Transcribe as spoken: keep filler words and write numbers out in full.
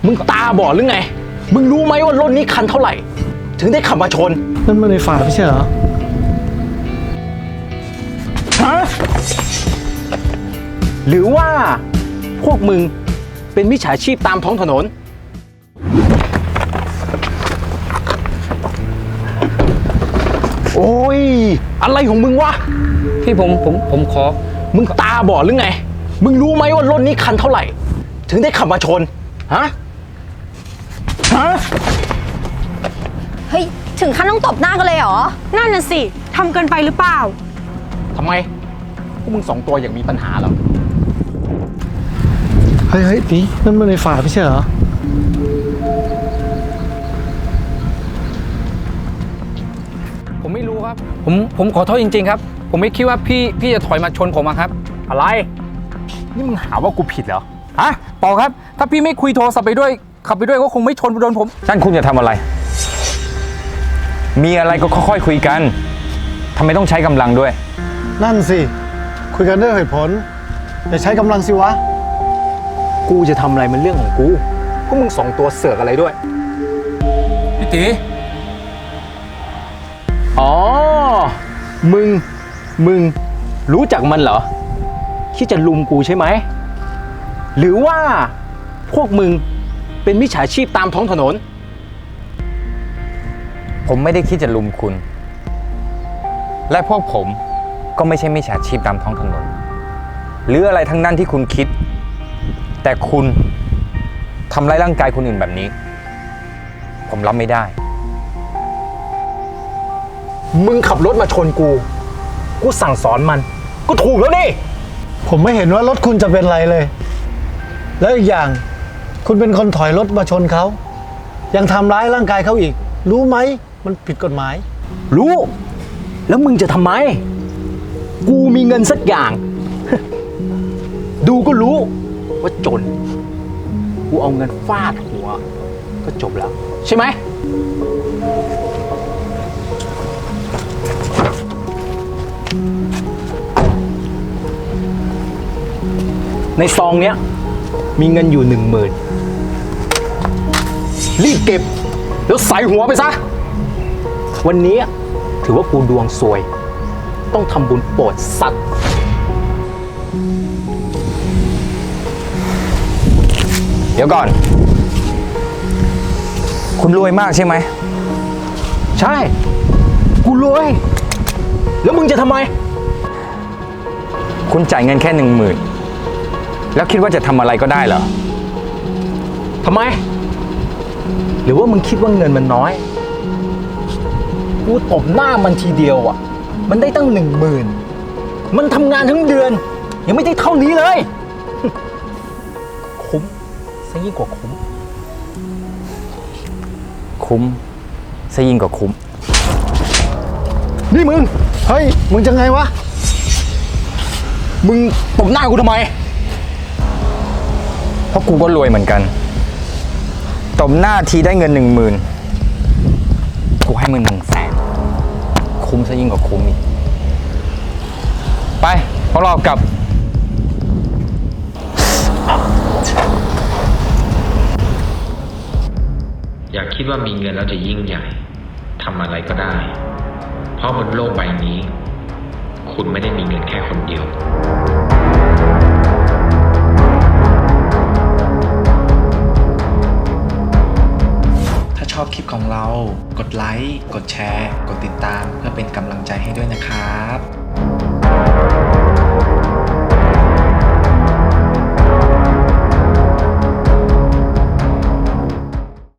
มึงตาบอดหรือไงมึงรู้ไหมว่ารถนี้คันเท่าไหร่ถึงได้ขับมาชนนั่นมันในฝาไม่ใช่เหรอฮะหรือว่าพวกมึงเป็นมิจฉาชีพตามท้องถนนโอ้ยอะไรของมึงวะพี่ผมผมผมขอมึงตาบอดหรือไงมึงรู้ไหมว่ารถนี้คันเท่าไหร่ถึงได้ขับมาชนฮะฮะเฮ้ยถึงขั้นต้องตบหน้ากันเลยเหรอนั่นน่ะสิทำเกินไปหรือเปล่าทำไมพวกมึงสองตัวอย่างมีปัญหาเหรอเฮ้ยเฮ้ยตีนั่นมันในฝาไม่ใช่เหรอผมไม่รู้ครับผมผมขอโทษจริงๆครับผมไม่คิดว่าพี่พี่จะถอยมาชนผมอะครับอะไรนี่มึงหาว่ากูผิดเหรอฮะเปล่าครับถ้าพี่ไม่คุยโทรศัพท์ไปด้วยขับไปด้วยก็คงไม่ชนโดนผมนั่นคุณจะทำอะไรมีอะไรก็ค่อยๆคุยกันทำไมต้องใช้กำลังด้วยนั่นสิคุยกันด้วยเหตุผลอย่าใช้กำลังสิวะกูจะทำอะไรมันเรื่องของกูพวกมึงสองตัวเสือกอะไรด้วยพี่ตีอ๋อมึงมึงรู้จักมันเหรอที่จะลุมกูใช่ไหมหรือว่าพวกมึงเป็นมิจฉาชีพตามท้องถนนผมไม่ได้คิดจะลุมคุณและพวกผมก็ไม่ใช่มิจฉาชีพตามท้องถนนหรืออะไรทั้งนั้นที่คุณคิดแต่คุณทำร้ายร่างกายคนอื่นแบบนี้ผมรับไม่ได้มึงขับรถมาชนกูกูสั่งสอนมันก็ถูกแล้วนี่ผมไม่เห็นว่ารถคุณจะเป็นไรเลยแล้วอีกอย่างคุณเป็นคนถอยรถมาชนเขายังทำร้ายร่างกายเขาอีกรู้ไหมมันผิดกฎหมายรู้แล้วมึงจะทำไมกูมีเงินสักอย่าง ดูก็รู้ว่าจนกูเอาเงินฟาดหัวก็จบแล้วใช่ไหมในซองเนี้ยมีเงินอยู่หนึ่งหมื่นรีบเก็บแล้วใส่หัวไปซะวันนี้ถือว่ากูดวงซวยต้องทำบุญโปรดสัตว์เดี๋ยวก่อนคุณรวยมากใช่ไหมใช่กูรวยแล้วมึงจะทำไมคุณจ่ายเงินแค่หนึ่งหมื่นแล้วคิดว่าจะทำอะไรก็ได้เหรอทำไมหรือว่ามึงคิดว่าเงินมันน้อยกูตบหน้ามันทีเดียวอ่ะมันได้ตั้งหนึ่งหมื่นมันทำงานทั้งเดือนยังไม่ได้เท่านี้เลย คุ้มซะยิ่งกว่าคุ้มคุ้มซะยิ่งกว่าคุ้มนี่มึงเฮ้ยมึงจะไงวะมึงตบหน้ากูทำไมเพราะกูก็รวยเหมือนกันตบหน้าทีได้เงินหนึ่งหมื่นกูให้มึงหนึ่งแสนคุ้มซะยิ่งกว่าคุ้มอีกไปพวกเรากลับอย่าคิดว่ามีเงินแล้วจะยิ่งใหญ่ทำอะไรก็ได้เพราะบนโลกใบนี้คุณไม่ได้มีเงินแค่คนเดียวชอบคลิปของเรา กดไลค์ กดแชร์ กดติดตามเพื่อเป็นกำลังใจให้ด้วยนะครับ